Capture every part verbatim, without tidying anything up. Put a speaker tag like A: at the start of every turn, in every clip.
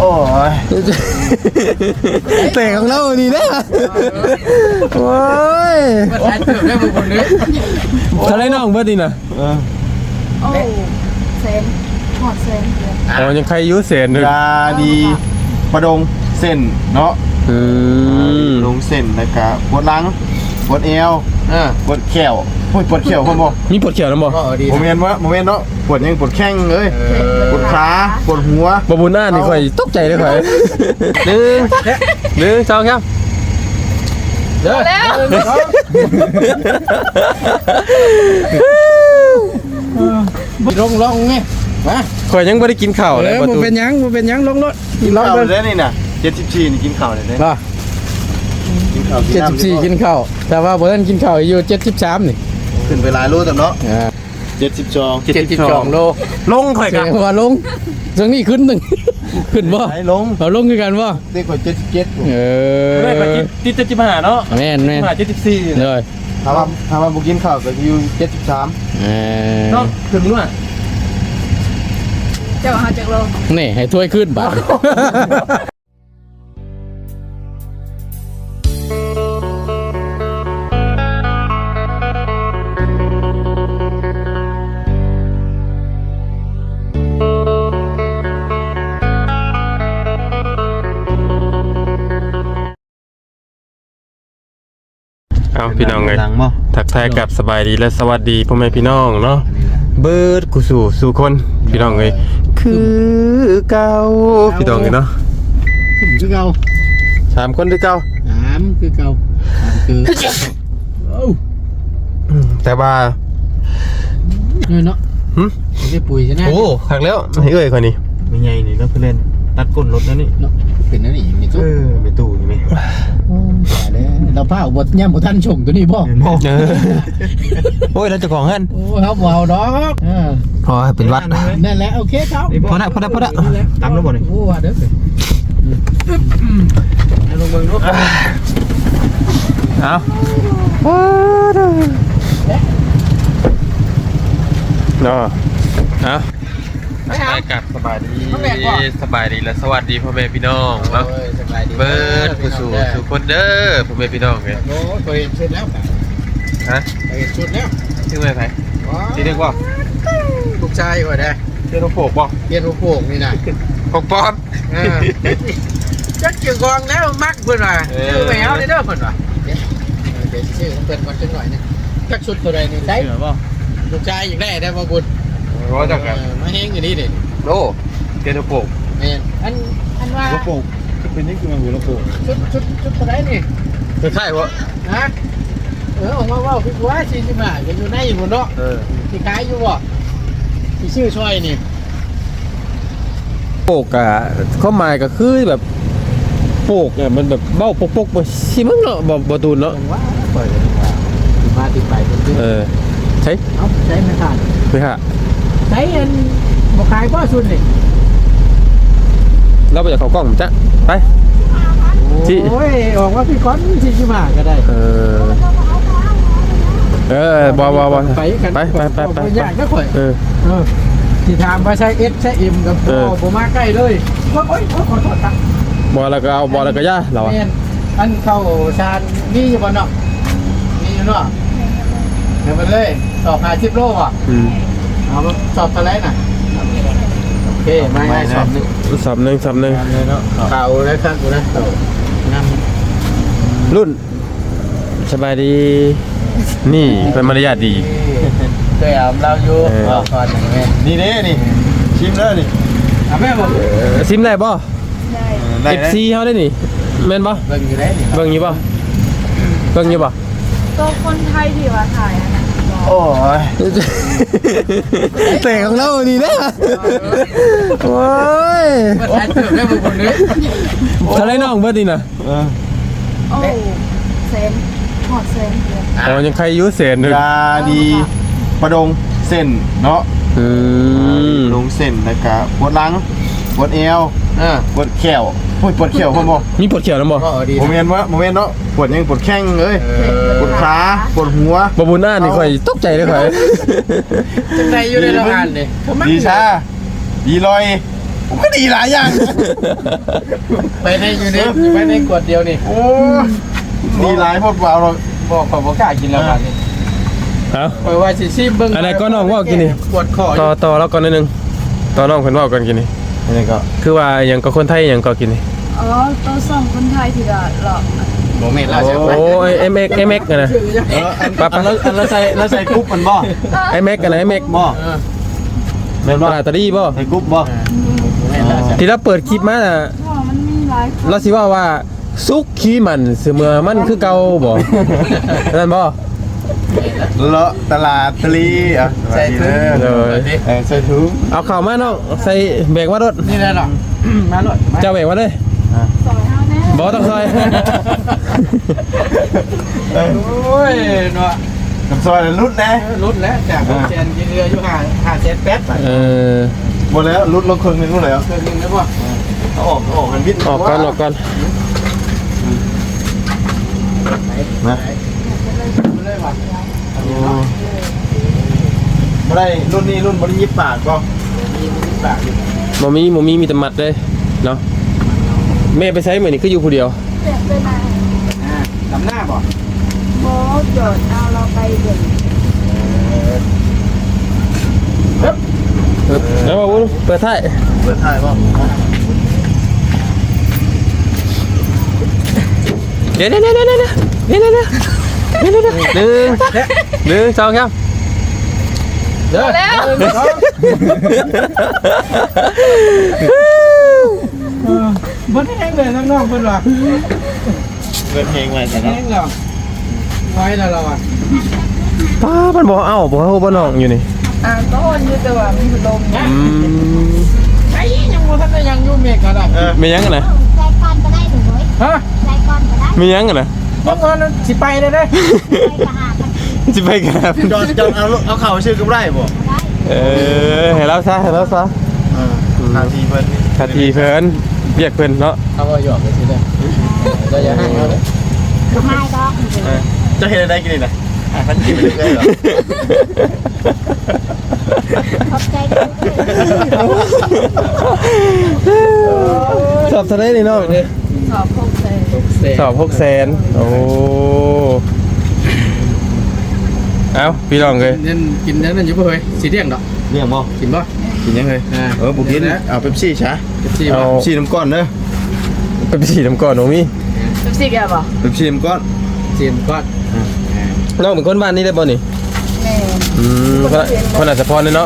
A: โอ้ย
B: เตะของเราดีนะโอ้ยทะเลน้องเบิดดีนะ
C: โอ้เซนหอดเซน
B: อ๋อยังใครยุ่เสียนเลย
A: ยาดีประดงเส้นเนาะ
B: อืม
A: ลงเส้นแล้วก็ปวดหลังปวดเอวปวดแขวปวดแขวคนบอก
B: มีปวดเขียวนะบ่
A: โมเมนต์วะโมเมนต์เนาะปวดยังปวดแข้งเลยปวดขาปวดหัว
B: บ่บุญหน้านี่ค่อยตกใจเลยค่อยหนึ่งหนึ่งสองครับเด้อ
C: แล้ว
D: ลงลงไงมา
B: ข่อยยังบ่ได้กินข้าว
D: เอ
B: เลย
D: อ
B: ประ
D: มัน
B: ตู
D: เป็นยังมันเป็นยังลงรถ
A: กิน
D: ลง
A: ข้าว
D: รถ
A: เลยนี่น่ะเจ็ดสิบสี่นี่กินข้าวเลยเนี่ย
D: ป่ะ
A: กินข้าว
D: เจ็ดสิบสี่กินข้าวแต่ว่าเบิร์นกินข้าวอยู่เจ็ดสิบสามนี่
A: ขึ้นไปหลายโลแต่เนาะเจ็ดสิบสอง
D: เจ็ดสิบสองโล
B: ลงข่อย
D: แส
B: กั
D: ด
B: น
D: งว่าลงตรงนี้ขึ้นหนึ่งขึ้นบ่
A: ไหนลง
D: เราลงคือกันบ่
A: เด็กกว่าเจ็ดสิบเจ็ด
D: เออ
B: ได้ไปกินติดจะจิบหาเนาะ
D: แม่นแม่น
B: หาเจ็ดสิบสี่
D: เลย
A: ถ้าว่าถ้าว่าบุกินข้าวก็อยู่เจ็ดสิบสาม
D: เออ
B: เนาะถึงด้วย
C: เจ้าหาจากโล
D: นี่ให้ถ้วยขึ้นบาท
B: เอาพี่น้องเลย
A: หลังบ่
B: ทักทายกับสบายดีและสวัสดีพ่อแม่พี่น้องเนาะเบิร์ดกูสู่สู่คนพี่น้องเลยคือเก่าพี่น้องเลยเนาะ
D: ขึ้นคือเก่า
B: สามคนคือเก่า
D: สามคือเก่าสามคือโอ้
B: อืมแต่ว่า
D: เนี่ยเนาะ
B: หึ
D: ไม่ได้ปุ๋ยใช่ไหม
B: โอ้ขักแล้วให้เอ่ยคนนี้
A: ไม่ใหญ่นี่แล้วเพื่อนเล่นตัดก้นรถแล้วนี่
D: เนาะเป็นนั่นนี่มี
A: เอ
D: ตุ๊ก
A: อไปตู้นี่ไหม
D: ตายแล้วเราผ้าบดย่ำบดท่านชงตัวนี้บ่
B: เออโอ้ยแล้วเจ้าของฮั่น
D: โอ้เขาบ่เอาดอกเออ
B: พอเป็นวัด
D: นั่นแหละโอเคครับ
B: พอได้พอได้พอได้
A: ตามแล้วบ่นี่
D: โอ้ว่าเด้อ
A: ลงเมืองรถ
B: เอาเนาะเอาไปกับสบายดีสบายดีและสวัสดีพ่อแม่พี่น้องเนาะ
D: สบายดี
B: เบิร์ดกูสู่สู่คนเด้อพ่อแม่พี่น้องไง
D: โอ้เคยเห็นชุดแล้วค่ะ
B: ฮะ
D: เคยเห็นชุดแล้ว
B: ชื่ออะไรไผที่เรียกว่า
D: ลูกชายว่าได้
B: เรียกว่าโผล่บ่
D: เรียนรูปโป่งนี่นะ
B: ปกปอม
D: จักเกี่ยวกองแล้วมักเพิ่นว่าชื่อแมวนี่เด้อเพิ่นว่าเดี๋ยวชื่อของเพิ่นก่อนจังหน่อยนึงจักชุดตัวใดนี่ได้
B: เหรอบ่
D: ลูกชายอยากได้ได้บ่บุญ
B: ร้อยจักกัน
D: มาเฮงอยู่นี่ดิ
B: โอ้เรียกว่าโผล่
D: แม่นอันอันว่า
A: หัวโป่งเป็นนี่คือมันหัวโป่ง
D: ชุดชุดชุดตัวใดนี่
B: ใช่วะ
D: ฮะเออออกมาเว้าพี่ว่าสี่สิบห้าก็อยู่ในอยู่เนาะ
B: เออ
D: ที่ขายอยู่บ่ที่ชื่อช่อยนี่
B: โปกอะข้อหมายก็คือแบบโปกอะมันแบบเบ้าปกปกๆบ่สิมึงเนาะบ่บ่ตูนเนาะ
D: ผมว่าปล่อยเลยดีกว่าที่มาที่ไปเป็นที่
B: เออใช่
D: เอาใช้ไม่ขาด
B: ไหมฮะ
D: ใช้อันบ่ขายบ่ชุดนี่
B: เราไปจากเขากล้องผมจ้ะไป ที่
D: โอ้ยออกว่าพี่ก้อนที่ชิมาก็ได้
B: เออเออบอบอบอ
D: ไปกัน
B: ไปไปไปไป
D: อยากก็ข่อย
B: เออ
D: เออที่ถามว่าใช้ S ใช้ M กับ
B: เอ
D: โบ
B: อ
D: บ่มาใกล้เลยโอ้ยโอ้ยขอโทษครับ
B: บอแล้วก็เอาบอแล้วก็ย่าเราอะ
D: แม่นอันเข้าชานนี่อยู่บ่เนาะนี่อยู่เนาะเดี๋ยวไปเลยสอบหาสิบโลอ่ะ
B: อืม
D: เอาสอบอะไรน่ะโอเคไม่ให้สอบหนึง
B: สอบหนึ่งสอบหนึ่ง
D: เลยเนาะเก่าแล้วครับกูนะเก่างาม
B: รุ่นสบายดี นี่เป็นมารยาทดี
D: เคยเอาเราอยู่
B: เออ
D: บอกก่อนอย่างเงี้ย
A: นี่เด้นี่ชิมแล้วนี่
D: อ่ะแม่บอก
B: เออซิมได้ป่ะ
C: ได้
B: เอฟซีเขาได้นี่แม่นป่ะ
D: เบิ่งอยู่ได้นี่
B: เบิ่งอยู่ป่ะเบิ่งอยู่ป่ะ
C: ตัวคนไทยที่ว่าถ่ายอันนั้น
A: โอ้ย
B: เตะของเราดีนะโอ้ย
D: มาถ่ายเติมได้บุคนนี้
B: ทะเลน้องเบิดดีนะ
A: เออ
C: โอ้เซนหอดเซน
B: อ๋อยังใครยุ่เสียนเลย
A: ยาดีประดงเส้นเนาะ
B: อืม
A: ลงเส้นแล้วก็ปวดหลังปวดเอว
D: อ่า
A: ปวดแขวปวดแขวคนบอก
B: มีปวดเขียวนะบ่
D: ก็ดี
A: โมเมนต์วะโมเมนต์เนาะปวดยังปวดแข้งเลยปวดขาปวดหัว
B: บ่บุญหน้านี่ค่อยตกใจเลยค่อย
D: จังไรอยู่ในโรงงานนี่
A: ดีชาดีลอยผมก็ดีหลายอย่าง
D: ไปในอยู่ในไปในขวดเดียวนี่
A: โอ้ดีหลายพวกเราเรา
D: บอกขอบอกกล้ากินแล้วกันนี่
B: เอา
D: ไปว่าสิซีเบิ่ง
B: อะไรก็น้องว่ากินนี่
D: ปวดคอ
B: ต่อต่อแล้วก่อนนิดนึงต่อน้องเพิ่นเว้าก่อนกินนี่
A: นี่ก็
B: คือว่าหยังก็คนไทยหยังก็กินนี่
C: อ๋อตัวสองคนไทยที่ละหลอก
A: โมเมนต์เราใช่ไหม
B: โอ้ย เอ็ม เอ็กซ์ เอ็ม เอ็กซ์ กันนะ
A: เอออันอันแล้วอันแล้วใส่แล้วใส่กรุ๊ปมันบ่
B: เอ็ม เอ็กซ์ กันนะ เอ็ม เอ็กซ์
A: บ่
D: เออ
A: แม่น
B: ต
A: บ่
B: ลาดตะลี่บ่
A: ใส่กรุ๊ปบ่
D: แม่นแล้วจ้ะ
B: ที่เราเปิดคลิปมาน่ะ
C: เพราะมันมีหลายคน
B: เราสิว่าว่าซุกขี้มันเสมอมันคือเก่าบ่นั่นบ่
A: เลาะตลาดตะลีอ่ะ
D: ใส่ถุง
B: เออ
A: เออใส่ถุง
B: เอาเข้ามาน้องใส่แบกมารถ
D: นี่แหละหรอมาหน่อยมา
B: เจ้าแบกมาเลย
C: ซอยเฮาแน่
B: บ่ต้องซอย
D: โอ้ยเนาะ
A: กับซอยรุดนะ
D: รุดแล้วจากหกแสนกินเรืออยู่ห้าห้าแสนแปดบาท
B: เออ
A: หมดแล้วรุดลงครึ่งนึงนู่นแล้ว
D: เคยกินแล้วป่ะ
A: เอาออกเอาออกมันวิทย์
B: ออกก่อนออกก่อน
A: นะ
D: ไม่ได้ป่ะ
A: บ่ได้รุ่นนี้รุ่นบ่ได้ยิบปากก็
D: มีสิบบาทอยู่
B: บ่มีบ่มีมีแต่มัดเลยเนาะแม่ไปใช้มื้อนี้คืออยู่ผู้เดียว
C: เจ็บไปไหน
D: อ่าลำหน้าป่ะ
C: โบโดดเอาเราไปเบิ่ง
B: เออแล้วบ่วุ้นเปิดท้าย
A: เปิดท้ายบ่
B: เดี๋ยวเดี๋ยวเดี๋ยวเดี๋ยวเดี๋ยวเดี๋ยวเดี๋ยวเดี๋ยวเดี๋ยวหนึ่งหนึ่งสองครับ
D: เด้อแล้วบ่ได้แห้งเลยน้องๆเพิ่นว่า
A: เปิดเพลงไว้แต่
D: แห้
A: เนาะ
D: งแล้วไว้แล้วเราอ่ะ
B: ป้ามันบอกเอ้าบอกเขาบ่น้องอยู่นี่
C: อ่าก็อนอยู่แต่ว่ามีพัดลม
B: อืม
D: ไอ้ยังบ่ทันได้ยังอยู่เมฆก็ได้
A: เออ
B: มียังกันนะ
E: ใจก่อนก็ได้หนูเว้ย
D: ฮะ
E: ใจก่อนก็ได้
B: มียังกันนะ
D: ยังว่านั้นสิไปได้เด้
E: ใจกระหากัน
B: จะไปกันครับ
A: จอนจอนเอาเอาเข่าชื่อกับได้บ่
E: ได้
B: เออให้เราซะให้เราซะ
A: เออทางทีเพิ่น
B: คาทีเพิ่นเรียกเพิ่นเนาะ
D: เขาก็หยอกไปสิเด้อเราอย่าให้เขาเด้อ
E: ไม่ดอก
A: เออจะเห็นอะไรกินนี่นะอ่ะคันกินไปเรื่อยๆเหรอ
E: ขอบใจกันด้วย
B: สอบทะเลนี่น้อง
C: สอบพกเซ
B: สอบหกแสนโอ้เอ้าพี่น้องเลย
D: นั่นกินนั่นนั่นอยู่บ่เฮ้ยสิเลี้ยงดอก
A: เรื่องบ่
D: กินบ่
A: กินยังไง
D: อ่า
A: เออบุกินเอาเป๊ปซี่ช้า
D: สิ
B: เอา
D: บ่
A: ซี่น้ำก้อนเด้อ
B: ไปไปฉีดน้ำก่อนน้องมี
C: สิบสี่แกบ่
A: เป๊ปซี่น้ำก้อน
D: สินก่อน
B: น้องเป็นคนบ้านนี้ได้บ่นี่
C: แม่
B: อืมคนคนอาจจะพรเลยเนาะ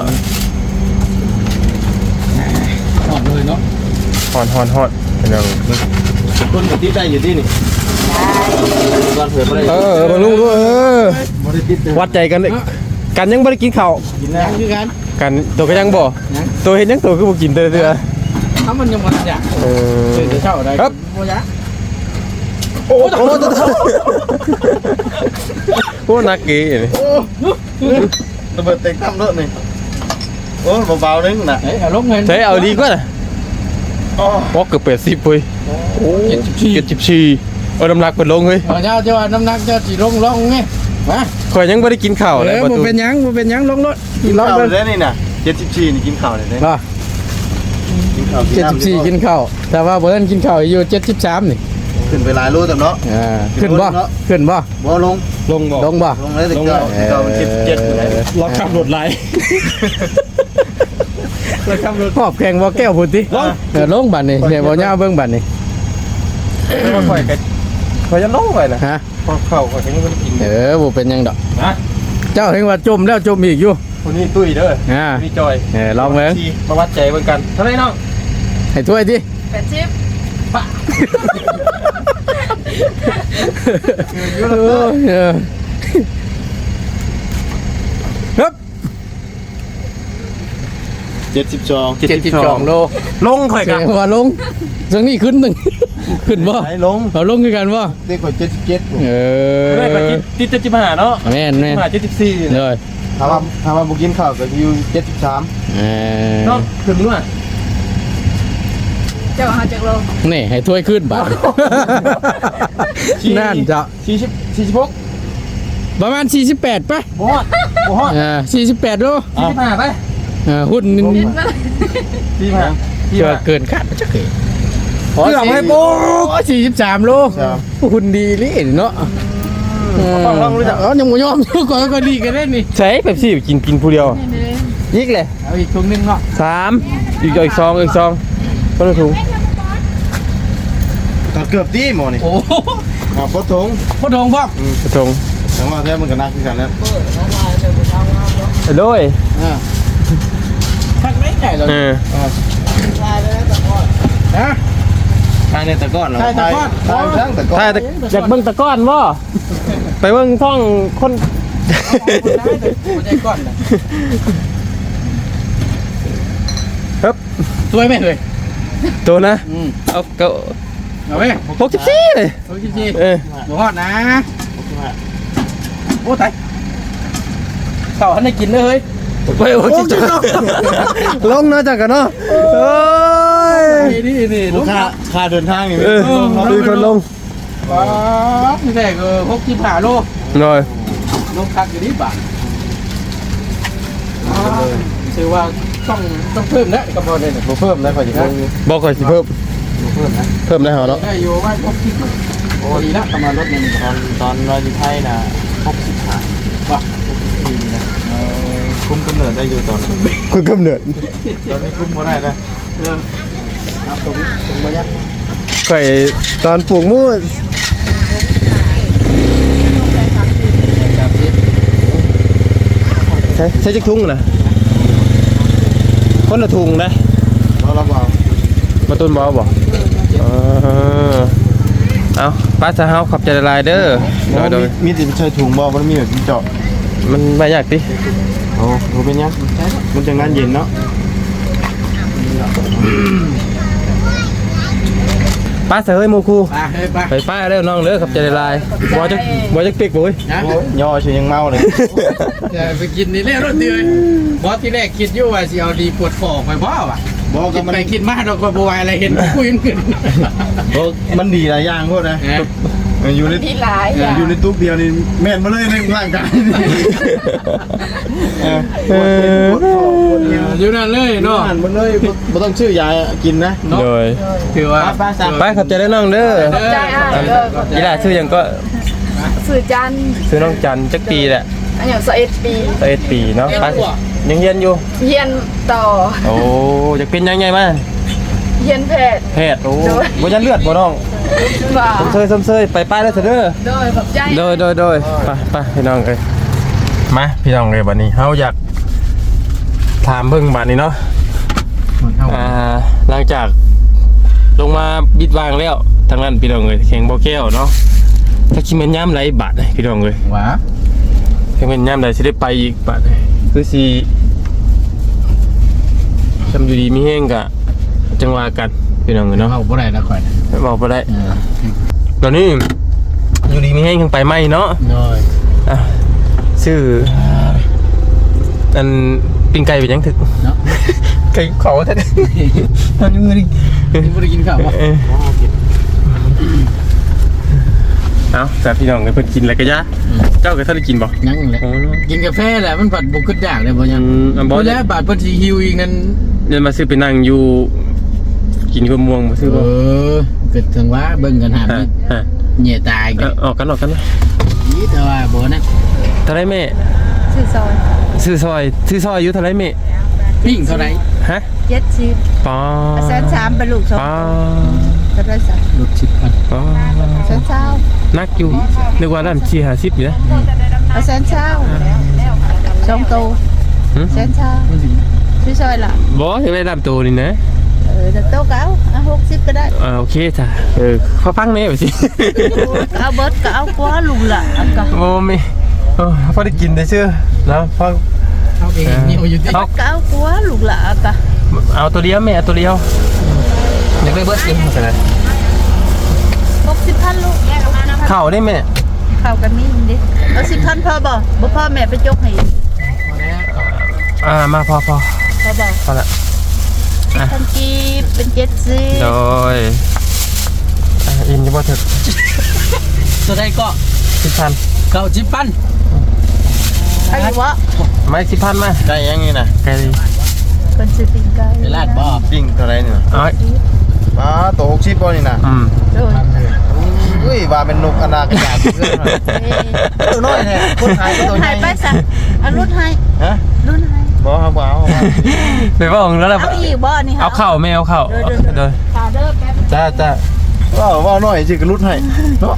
D: หอมเลยเนาะ
B: ฮอนฮอนฮอนพี่น้อง
A: คนกับติดได้อยู่ที่นี่ก้อนเผื่อบ่ได้
B: เออเออบรรลุด้วยเออ
A: บ่ได้ติดเด้อ
B: วัดใจกันเด้อกันยังบ่ได้กินข้าว
A: กิน
D: ยั
A: แล้ว
D: งคือกัน
B: กันตัวก็ยังบ่
D: ยัง
B: ตัวเห็นยังตัวคือบ่กินเด้อเด้อ
D: ถ้ามันยังบ่ทันอยาก
B: เออ
D: เดี๋ยวเช้าได้
B: ครับ
D: บ่อยาก
B: โอ้โหโอ้นักกีนี่
A: ระเบิดเต็งตั้มรถนี่โอ้เบาๆนึงน่ะ
D: เฮ้ยเอาลงเงิน
B: ใช้เอาดีกว่าน่ะ
A: อ๋อ
B: พอเกือบแปดสิบเว้ย
D: เจ็ดสิบสี่
B: เจ็ดสิบสี่เอาน้ำหนักเปิดลงเฮ้ย
D: เอาเจ้าเจ้าว่าน้ำหนักเจ้าสิลงลงไงมา
B: ข่อยยังบ่ได้กินข้าว
D: เอ
B: เลย
D: อ
B: ประ
D: บ่
B: ตู
D: เป็นหยังบ่เป็นหยังลงรถ
A: กิน
D: ลอง
A: ข้าว
D: เบิ่ง
A: ได้นี่น่ะเจ็ดสิบสี่นี่กินข้าวได้เด้
D: บ่
A: กินข้าว
D: เจ็ดสิบสี่กินข้าวแต่ว่าบ่ทันกินข้าวอยู่เจ็ดสิบสามนี่
A: ขึ้นไปหลายโลแต่เนาะ
D: อ่าขึ้นบ่ขึ้นบ่
A: บ่ลง
B: ลงบ่
D: ลงบ่
A: ลงเลยแต่เก่าแต่เก่าเจ็ดเจ็ดอยู่ไหน
B: เราขับรถไหล
D: เราขับรถขอบแข่งบ่แก้วพุ่นติเออลงบัดนี่เดี๋ยวบ่ย่าเบิ่งบัดนี่
B: ข่อยก็ข่อยจะลงไปน่ะ
D: ฮะ
B: พอเข้าข่อยก็ยังบ่ได้กิน
D: เออบ่เป็นหยังดอก
B: นะ
D: เจ้าเห็นว่าจมแล้วจมอีกอยู่
B: คนนี้ตุ้ยเด้อ
D: อ่า
B: พี่จอย
D: เออลองเบิ่ง
B: ที่มาวัดใจเบิ่งกันเท่าไหร่น้อง
D: ให้ถ้วยดิ
C: แปดสิบ
D: เออเออครับ
A: เจ็ดสิบสอง
D: เจ็ดสิบสองโล
B: ลงข่อย
D: แส
B: กั
D: ดงว่าลงจังนี้ขึ้นหนึ่ง ขึ้นบ่
A: ไหนลง
D: เอาลงคือกันบ่
A: เด็กกว่าเจ็ดสิบเจ็ด
D: เออ
B: ได้ข่อยกินติดเจ็ดสิบห้าเนาะ
D: แม่นแม่น
B: มาเจ็ดสิบสี่
D: เลย
A: ถามว่าถามว่าบุกินข้าวก็อยู่เจ็ดสิบสาม
D: เออ
B: น้องขึ้นด้วย
C: เจ้าหาจากโล
D: นี่ให้ถ้วยขึ้นบาทนั่นจะ
B: สี่สิบสี่สิบหก
D: ประมาณสี่สิบแปดป่ะ
B: บ่ฮอดบ่ฮอด
D: อ่าสี่สิบแปดโล
B: สี่สิบห้าไป
D: อ่าหุ้น
C: นิดมา
B: สี่สิบห้า
D: ที่ว่าเกินคาดมันจะเกิด
B: เกือบให้โป๊ก
D: สี่สิบสามโล
A: ครับ
D: หุ่นดีนี่เนาะ
B: ลองลองรู้จัก
D: เออยังไม่ยอมก่อนก็ดีกันได้นี่
B: ใช้เป๊ปซี่กินกินผู้เดียวยิกเลย
D: เอาอีกถุงนึงเนาะ
B: สามอีกอีกซองอีกซองคนละถุง
A: ก็เกือบตีหมอนี่
D: โอ้โห
A: อ่าปทง
D: พ่อทองพ่อ
B: กระทง
A: แต่ว่าแท้มันก็นักที่กันแล้ว
B: ไปด้วย
D: อ่าทักไม่ใหญ่เลย
B: เออ
D: ฮะ
A: ทายในตะก้อนเหรอ
D: ทายตะก้อน
A: ทายทั้งตะก้อน
B: ถ้าอยากเบิ่งตะก้อนบ่ไปเบิ่งท่องคน
D: คนใจก้อนนะ
B: ครับ
D: สวยไหมเลย
B: ตัวนะ
D: อืม
B: เอาเก้า
D: เอาไหม
B: หกสิบสี่เลย
D: โอ้ยจี
B: เออ
D: หมูทอดนะโอ้ตายเต่าหันได้กินเลยเฮ้ย
B: ไปหกสิบสี่ลงเนาะจังกันเนาะโอ้ย
D: นี่นี่ลูก
A: ค่าค่าเดินทางนี่
B: เออมีคนลง
D: ป๊าบนี่แหละก็หกสิบห้าโล
B: หน่อย
D: ลงคักอยู่นี่บ่าถือว่าต้องต้องเพิ่มนะกระเพาะเนี่ย
A: บ่เพิ่มได้พอดีเพิ่ม
B: บอกก่อนสิเพิ่ม
A: บ่เพิ่มนะ
B: เพิ่มได้เหรอเนาะ
D: ได้อยู่ว่าหกสิบโอ้ดีละประมาณรถเนี่ย
A: ตอนตอนเราอยู่ไทยนะหกสิบห้า
D: ว่ะ
A: ปีนะเอ่อคุมกำเนิดได้อยู่ตอนนั้น
B: คุณกำเนิด
A: ตอนนี้คุมบ่ได้นะ
D: เออครับตรงตรงมายัก
B: ไข่ตอนปลูกมูสใช่ใช่จักทุ่งนะคนละทุ่งนะ
A: เราเราบอก
B: มาต้นบอบอกเออเอาป้าจะเฮาขับใจละลายเด้อโดยโดย
A: มีติดใช้ถุงบ่มันมีแบบเจาะ
B: มันไม่อยากดิ
A: โอ้โหเป็นยังมันจะงานเย็นเนาะ
B: ป้าเสยโมคู
D: ไปเฮ้ยไป
B: ไปป้าเร็วน้องเด้อขับใจละลายบอจะบอจะปิกบุ้ย
D: นะ
A: ย่อชื่อยังเมาเลย
D: จะไปกินนี่แหละรถเดียวบอสที่แรกคิดอยู่ว่าสิเอาดีปวดฟอกไปบ่ว่ะ
A: บอก
D: คิ
A: กั
D: ด
A: บมัน
D: ไปคิดมาเราก็บวายอะไรเห็นคุยกัน
A: บอกมันดีหลายอย่างพวกนะอยู่ใน
C: ที่หลายอย่าง
A: อยู่ในตุ๊กเดียวนี่แม่นมาเลยในร่างกายเออปวดเป็นปวดคอปวดเอว
D: อยู่นั่นเลย
A: เนาะ
D: เนาะ
A: มันเลยบ่ต้องชื่อยากินนะ
B: โดย
D: ถือว่า
A: ป้าสั่ง
B: ป้าขับใจได้น้องเด้อ
C: ใจอ้ายเด้อ
B: ยีหลาชื่อหยังก็
C: สื่อจันทร์
B: ซื้อน้องจันจักปีแหละ
C: อันอย่างสิบเอ็ดปี
B: สิบเอ็ดปีเนาะป้ายังเรียนอยู่
C: เฮียนต่อ
B: โอ้อยากเป็นยังไงมา
C: เฮียนแพทย์
B: แพทย์โอ้บ่ยันเลือดบ่น้อง
C: ว่า
B: สมเซยสมเซยไปป้าแล้วเถอะเด้อ
C: โดยขอบใจ
B: โดยโดยโดยไปไปพี่น้องเอ้ยมาพี่น้องเอ้ยบัดนี้เฮาอยากถามเบิ่งบัดนี้เนาะอ่าหลังจากลงมาบิดวางแล้วทางนั้นพี่น้องเอ้ยแข่งบ่แก้วเนาะถ้าคิดแม่นยามไหลบาดพี่น้องเอ้ย
D: ว้า
B: แข่งแม่นยามใดสิได้ไปอีกบาดคือสิทำอยู่ดีมีแฮงกะจังว่ากันพี่น้องเอ้ยเนาะ
D: เอาบ่ได้แล้วค่อย
B: บอกบ่ได้ตอนนี้อยู่ดีมีแฮงยังไปไหมเนาะ
D: โดย
B: อ่ะชื่ออันปิ้งไก่เป็นยังถึก
D: เนาะ
B: ไก่เขาแท้ตอนนี้มือนี่
D: นี่บ่ได้กินข้าวบ่
B: เออเอาแต่พี่น้องเพิ่นกินอะไรกันยะเจ้าก็ท่านได้กินบ่
D: ยังแหละ
B: โอ้
D: กินกาแฟแหละมันผัดบุกขึ้นยากเลยบ่ยัง
B: อืมอันบ่
D: บ่แล้วบาดเพิ่นสิหิวอีกนั่น
B: เดินมาซื้อไปนั่งอยู่กินข้าวม่วงมาซื้อ
D: เอ
B: บ่
D: อเกิดถึงว่าเบิ่งกันหา
B: ฮะฮะ
D: เหนี่ยตายกั
B: เอา
D: น
B: ออกกันออกกันนะ
D: นี่แต่ว่าบ่นะ
B: เท่าไรแม่
C: สื่อซอย
B: ซื้อซอยซื้อซอยอยู่เท่าไรแม่
D: ปิ้งเท่าไหร่
B: ฮะ
C: เจ็ดสิบ
B: ปอ
C: แสนสามเป็นลูกสอง
B: ปอ
C: จะได้สัก
D: รถสิบพัน
B: ปอ
C: แสนเช้า
B: นักอยู่นึกว่าด้านสี่ห้าสิบอยู่นะ
C: เอาแสนเช้าสองโต
B: หึ
C: แสนเช้าสื่อซอยละ
B: บ่ยังได้ดำตัวนี่นะ
C: เออแต่โตเก้าเอาหกสิบก็ได้
B: อ่าโอเคจ้ะเออพอฟังแม่ไปสิ
C: เอาเบิร์ดก็เอากว่าลุงละอันก็
B: โมไม่โอ้พอได้กินได้เชื่อนะพอ
D: เอาเองนี่อยู่ที่
B: เอา
C: ก็เอากว่าลุงละอันก็
B: เอาตัวเดียวแม่เอาตัวเดียว
D: อยากได้เบิร์ดเลย
B: ใช่ไหม
C: หกสิบพันลูก
B: ข้าวได้แม่
C: เข้ากันนี่ดิเอาสิบพันพอบ่บ่พอแม่ไปจกให้
B: อ่ามาพอพอ
C: พอบ่
B: พอละ
C: พันกีบเป็นเจ็ดสิบ
B: โดยอ่าอินจะบ่ถึก
D: ตัวได้ก็
B: สิบพัน
D: เก้าสิบพัน
C: อายุวะ
B: ไม่สิบพันมา
A: ได้ยังไงนะ
B: ไกล
C: คนซื้อปิ้งไก่
D: เป็นลาดบ่
A: ปิ้งเท่าไหร่นี่น่ะ
B: เอ้ย
A: ปลาตัวหกสิบบ่นี่น่ะ
B: อืม
C: โดย
A: อุ้ยว่าเป็นนกอนาคตเพื่อนหน่อยตัวน้อยแท้คนไทยก็
C: รุ่
A: ตัวน ให
C: ให้
A: ญ่
C: ไปซะเอารุ่นให้
A: ฮะ
C: รุ่นให้
A: บ่เอาบ่เอาบ่เอา
B: ไปว่าของแล้วล่ะ
C: เอาอีกบ่นี่
B: เอาเข้าไม่เอาเข้าเด้อ
C: ข่าวเด้อแป๊บ
A: จ้าจ้าว่าว่าน้อยสิก็รุดให้เนาะ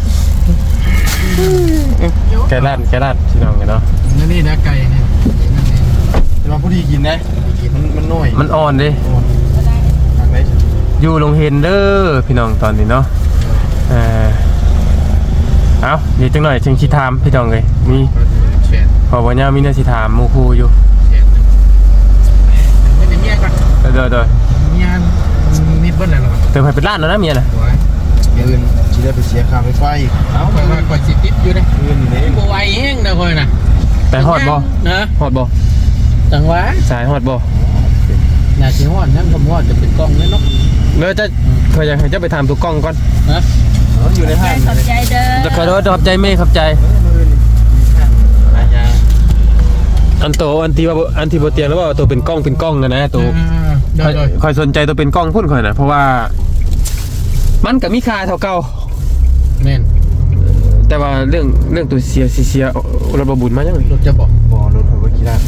B: แกด้านแกด้านพี่น้องกันเนาะ
D: นี่นี่นะไก่เนี่ย
A: จะมาผู้ดีกินนะมันมันน้อย
B: มันอ่อนดิ
A: ทางไหน
B: อยู่ลงเฮนเดอร์พี่น้องตอนนี้เนาะเออเอาเดี๋ยวจังหน่อยจึงชิถามพี่น้องเลยมี
D: แฉะ
B: ขอบอกเนี่ยมีเนื้อชิถามหมูคูอยู่
D: แฉะไม่ได้เมียก่อน
B: เดี๋ยวเดี๋ยวเดี๋ยว
D: เมียนิดเบิ้ลเลยหรอ
B: เติมไปเป็นล้านแล้วนะเมียน่ะ
D: โอ้ย
A: อื่นสิได้ไปเสียค่าไฟฟ้าอีก
D: เอาคอยว่าคอยสิติดอยู่นะ
A: อื่นนี่
D: บัวไวแห้งนะคอยนะ
B: ไปฮอดบ่
D: นะ
B: ฮอดบ่
D: จังหวะ
B: สายฮอดบ่
D: อยากสิฮอดนั่งคำฮอดจะเป็นกล้องเลยเนาะ
B: เดี๋ยวจะเคยอยากให้เจะไปทำตัวกล้องก่อน
D: นะ
A: อยู่ในห้าง
C: ขอบใจเด้อ
B: จะขอโทษขอบใจเมย์ขอบใจ
D: อาญา
B: อันโตอันที่ว่าอันที่บ่เตียงแล้วว่าตัวเป็นกล้องเป็นกล้องนะนะตัว
D: โดยโดย
B: คอยสนใจตัวเป็นกล้องพุ่นคอยนะเพราะว่า มันกับมีค่าเท่าเก่า
D: แม่น
B: แต่ว่าเรื่องเรื่องตัวเสียสิเสียรถบบุญมายังไง
D: รถจะบอก
A: บ่รถเขาบ่กี่ล้าน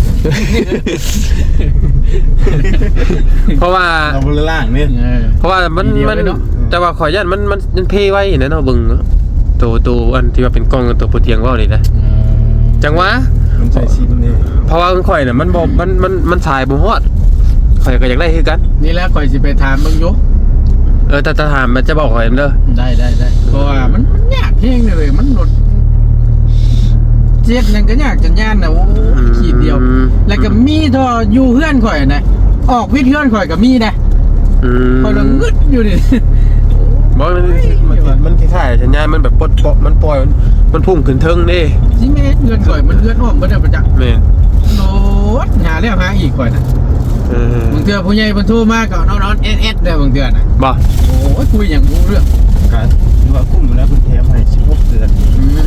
B: เพราะว่า
A: เราบ่ล่างนี่
D: เออ
B: เพราะว่ามัน
D: ดีเดียว
B: มัน
D: เลยเนอะ
B: แต่ว่าขอยยันมันมันมันเพไว้นะเนาะเบิ่งเนาะตัวตัวอันที่ว่าเป็นกล้องกับตัวโปรเตียงว่านี่นะจังหวะ
A: มันใส่ซีมันนี่
B: เพราะว่าข่อยน่ะมันบ่มันมันมันสายบ่ฮอดข่อยก็อยากได้คือกัน
D: นี่แหล้วคอยสิไปถามเบิ่งอยู่
B: เออแต่ถ้าถามมันจะบอกข่อยเด้อ
D: ได้ได้ได้เพราะว่ามันมันยากเพียงเลยมันรถเจ็ดนั่นก็ยากจันยานนะโอ้ยขีดเดียว แล้วก็มีท่ออยู่เพื่อนข่อยนะออกวิทย์เพื่อนข่อยก็มีนะ
B: อืม
D: ข่อยละงึดอยู่นี่
B: บ่มันมันมันคล้ายๆสัญญาณมันแบบปลดปล่อยมันปล่อยมันพุ่งขึ้นเทิงเด้
D: สิแม่เพื่อนข่อยมันเพื่อนอ้อมบ่ได้ประจักษ์
B: แม่น
D: โนดหาแล้วหาอีกข่อยน่ะ
B: เออบ
D: างเทื่อผู้ใหญ่เพิ่นโทรมาก็นอนๆเอ็ดๆได้บางเทื่อน่ะ
B: บ่
D: โอ้ยคุยหยังรู้เรื่อง
A: กันหรือว่าคุ้มแล้วเพิ่นแถมให้สิบหกเดือน
D: อืม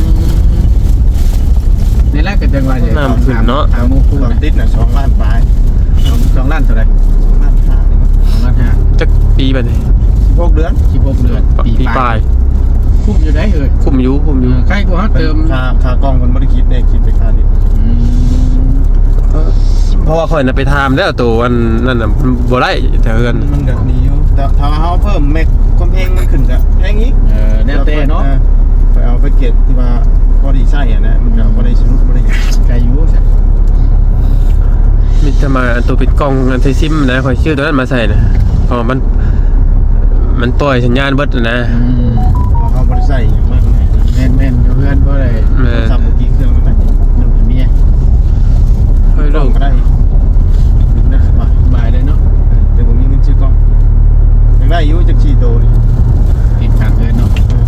D: นี่แหละก็จังว่าจะ
B: น้ำขึ้นเนาะ
D: ถามหมู่คู่
A: ตอน
D: นะ
A: ติดน่ะสองล้านปลาย
D: สองล้านเท่าไหร่
A: สองล้านห้านี่มั้ง
D: สองล้านห้า
B: จักปีบัดนี้
A: สิบหกเดือน
D: สิบหกเดือน
B: ปีปลาย
D: คุ้มอยู่ได้เอ่ย
B: คุมอยู่คุมอยู่
D: เออใครกูเฮาเติม
A: ค่าค่ากล้องเพิ่นบ่ได้คิดได้คิดไปค่านี้
D: อืม
B: เพราะว่าข่อยน่ะไปถามแล้วตัวอันนั่นน่ะมันบ่ได้แต่เฮือน
A: มันก็ดีอยู่แต่ถ้าเฮาเพิ่มเมกความเพลงมันขึ้นก็แพงอีก
D: เออแนวเต้เนาะ
A: ไปเอาไปเก็บที่ว่าพอดีใช่อ่ะนะมันก็พอดีสนุกพอดี
D: ไกลอยู่ใช่
B: มีแต่มาอันตัวเป็นกล้องอันไทซิมนะข่อยชื่อตัวนั้นมาใส่นะเพราะว่ามันมันปล่อยสัญญาณเบิดน่ะนะ
D: อืม
A: พอเขาพอดีใส่อย่างมากมาย
D: แม่นแม่นอยู่เพื่อนบ่ได้
B: แม่น
A: ทำเมื่อกี้เครื่องมันได้
D: ลูกกับเมีย
B: เฮ้ย
A: กล้
B: ลู
A: อง
B: ก
A: ก็ได้ได้สบาย
D: บายเลยเนาะ
A: แต่ผมมีเงินซื้อกล้องยังได้อยู่จากชีโตนี่
D: ติดขัดเลยเนาะ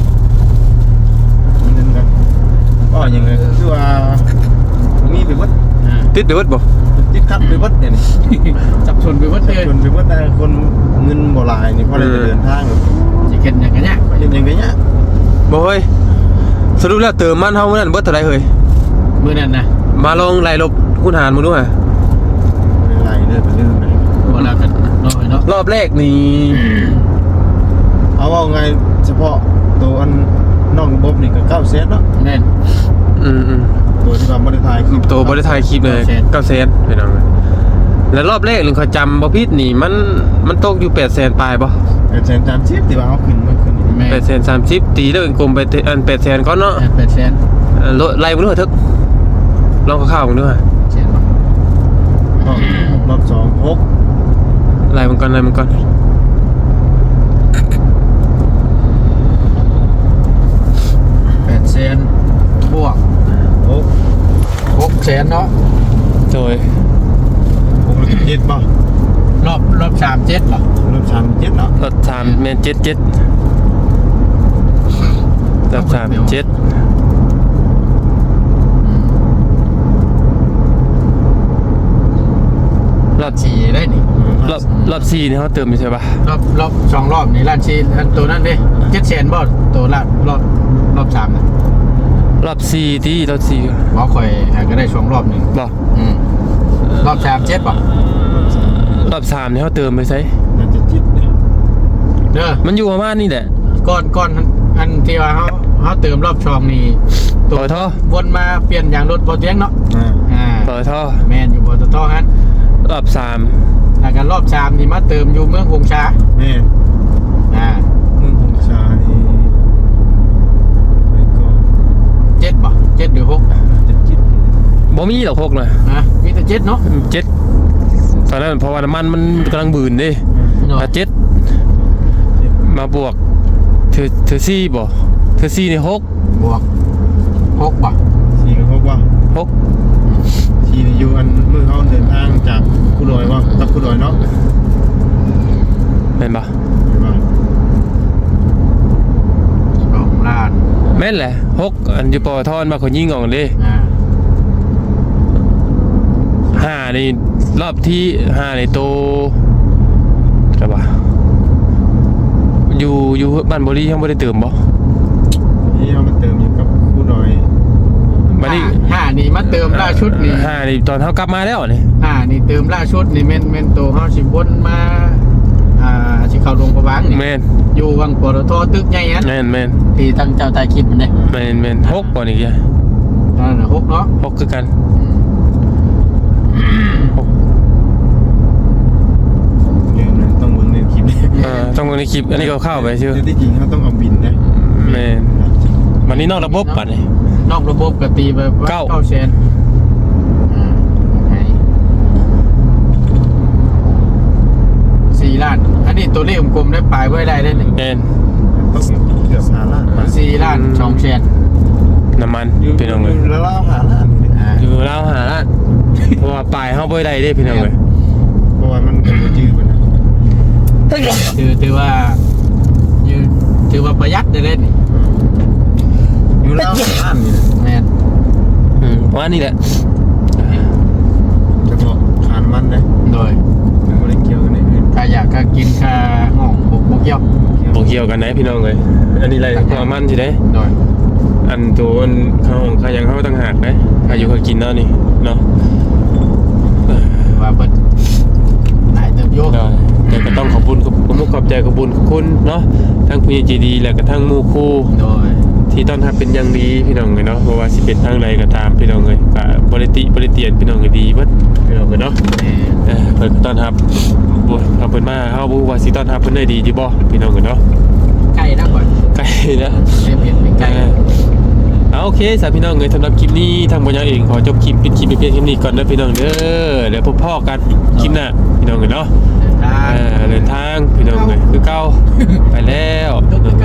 A: มีเงินกันก็ยังไงคือว่าผมมีไปวัด
D: อ่า
B: ติดเดือดบ่
A: ติดขัดไปวัดเนี่ยนี่
D: สับสนไปหมดเลย
A: ชวนไปวัดแต่คนเงินบ่หลายนี่พอได้เดินทาง
D: สิเก็ดหยังกันเนี่ย
A: เห็นยังไงเนี่ย
B: บ่เฮ้ยสรุปแล้วเติมมันเฮามื้อนั้นเบิดเท่าไหร่เฮ้ย
D: มื้อนั้นนะ
B: มาลองไล่ลบคูณหารมึงดูฮะ
A: อะไรเรื่องเป็นเรื่องไหน
D: บ่ลากันน้อยเนาะ
B: รอบแรกนี่
A: เอาว่าไงเฉพาะตัวอันนอกระบบนี่ก็เก้าเซนเนาะ
D: แม่น
B: อืมอืม
A: ตัวที่ว่าบริทายคือ
B: ตัวบ่ได้ถ่ายคลิปเลยเก้าแสนไปน้องแล้วรอบแรกนึงเขาจำบ่ผิดนี่มันมันตกอยู่แปดแสนปลายบ่
A: เกิดเซนจานชิปที่ว่าเอาขึ้นมันขึ้น
D: แม่น
B: แปดแสนสามสิบตีแล้วกลมไปอันแปดแสนก่อนเนาะ
D: แปดแสน
B: เอ่อลดไล่มึงดูเถอะทึกลองข่าวๆมึงดูฮะ
D: แสนบ่
A: รอบสองหก
B: ไล่มึงก่อนไล่มึงก่อน
D: แปดแสนบวก
A: หก
D: หกแสนเนาะ
B: โดย
A: หกเจ็ดป่ะ
D: รอบรอบสามเจ็ดบ่
A: รอบสามเจ็ดเนาะ
B: รถสามเมนเจ็ดเจ็ดรอบสามเจ็ด
D: รอบสี่ได้นี่
B: รอบรอบสี่นี่เขาเติมอยู่ใช่ปะ
D: รอบรอบสองรอบนี่ล้านสี่อันตัวนั้นเด้เจ็ดแสนบ่ตัวละรอบรอบสามนะ
B: รอบสี่ที่รอบสี่
D: บ่ข่อยหาก็ได้สองรอบหนึง
B: บอก
D: อืมรอบสามเจ็ดบ่
B: อบสามนี่เขาเติมไปใส่
A: น่าจะจิตเนี่ย
D: เด้อ
B: มันอยู่ประมาณนี้แหละ
D: ก่อนก่อนอันที่ว่าเขาเขาเติมรอบช่องนี่
B: ปตท
D: วนมาเปลี่ยนยางรถบ่เตียงเนาะ
A: อ่า
D: อ่า
B: ปตท
D: แม่นอยู่บ่ตทฮั่น
B: รอบสาม
D: แล้วก็รอบสามนี่มาเติมอยู่เมืองคงช้า
A: แม่
D: อ่า
A: มึงคงชานี่ไปก็
D: เจ็ดบ่เจ็ดหรือหก
A: จะจิต
B: บ่มีหรอกหกนะ
D: นะมีแต่เจ็ดเนาะ
B: เจ็ดตอนนั้นเพราะว่าน้ำมันมันกำลังบืนเดิ
D: เนาะ
B: ถ้าเจ็ดมาบวกเธอเธอซี่บ่เธอซี่นี่หก
D: บวกหกบ่
A: สี่กับหกว่า
B: หก
A: สี่นี่อยู่อันมือเขาเดินทางจากกุดอยว่าตับกุดอยเนาะ
B: แม่นปะ
A: เห็นป่ะ
D: สองล้าน
B: แม่นแหละหกอันอยู่ปอทอนมาคนยิงออกเลย
D: อ่า
B: ห้านี่รอบที่ห้าในโตอะไรปะอยู่อยู่บ้านบรียังไม่ได้เติมบ่
A: นี่เขามาเติมอยู่กับกุดอย
B: บัดนี้
D: ห้านี่มาเติมล่าชุดนี่
B: ห้านี่ตอนเขากลับมาแล้วนี่
D: ห้านี่เติมล่าชุดนี่แม่นแม่นโตเฮาสิวนมาอ่าสิเข้าโรงพยาบาลนี่
B: แม่น
D: อยู่วังปตทตึกใหญ่นั้น
B: แม่นแม่น
D: ที่ตั้งเจ้าตายคลิปมันเด้
B: แม่นแม่นหกก่อนอีกอ่ะ
D: นั่นน่ะหกเนาะ
B: หกคือกันหก
A: เรื่องนั้นต้องเบิ่งในคลิปนี้
B: เออต้องในคลิปอันนี้ก็เข้าไปชื่อ
A: แต่ที่จริงเขาต้องเอาบินนะ
B: แม่นวันนี้นอกระบบปัดนี่
D: นอกระบบก็ตีไป
B: เก้า
D: เก้าแสนอ่าให้สี่ล้าน อันนี้ตัวเลขกลมๆได้ปลายไว้ได้ได้หนึ่ง
B: แม่น
A: ต้องเกือบหาล้านบาท
D: สี่ล้านสองแสน
B: น้ำมัน
A: อยู่
B: พี่น้องเลย
A: แล้วเราหาล้าน
D: อ่า
B: อยู่เล่าวหาละเพราะว่าปลายเขาไปได้เด้พี่น้องเลย
A: เพราะว่ามันเป็นจืดไปนะ
D: ถือถือว่าอยู่ถือว่าประหยัดได้เล่นนี่
A: อยู่แล้วหาล้านนี่แหละ
D: แม่น
B: อืมว่านี่แหละ
A: เฉพาะขานมันนะ
D: โดย
A: มันไม่ได้เกี่ยวกันในอื่น
D: ถ้าอยากก็กินค่าห้องบุกบุกเกี่ยว
B: บอกเกี่ยวกันนะพี่น้องเลยอันนี้อะไรความมันสิได้
D: โดย
B: อันตัวอันข้าวของข้ายังเข้าตั้งหากนะข้าอยู่ข้ากินเนาะนี่เนาะ
D: ถือว่าเปิดหลายเติบโยก
B: เนาะแต่ก็ต้องขอบคุณขอบคุณขอบใจขอบคุณคุณเนาะทั้งผู้ใหญ่ใจดีและก็ทั้งหมู่คู่
D: โดย
B: ที่ต้อนรับเป็นอย่างดีพี่น้องเลยเนาะเพราะว่าสิเป็นทางใดก็ตามพี่น้องเลยก็บริติบริเตียนพี่น้องเลยดีเบิดพี่น้องเลยเนาะ
D: แม่น
B: เออเพิ่นก็ต้อนรับบ่เอาเพิ่นมาเฮาบ่ฮู้ว่าสิต้อนรับเพิ่นได้ดีจิบ่พี่น้องเลยเนาะ
D: ใกล้นะก่อน
B: ใกล้นะ
D: เรียนเห็นไม่ใกล้
B: เออเอาโอเคสามพี่น้องเลยสำหรับคลิปนี้ทางบรรยายเองขอจบคลิปปิดคลิปไปเพียงเท่านี้ก่อนนะพี่น้องเด้อเดี๋ยวพบพ่อกันคลิปหน้าพี่น้องเลยเนาะ
D: เดินทาง
B: เออเดินทางพี่น้องเลยคือเก่าไปแล้ว
D: ก็คือเก่า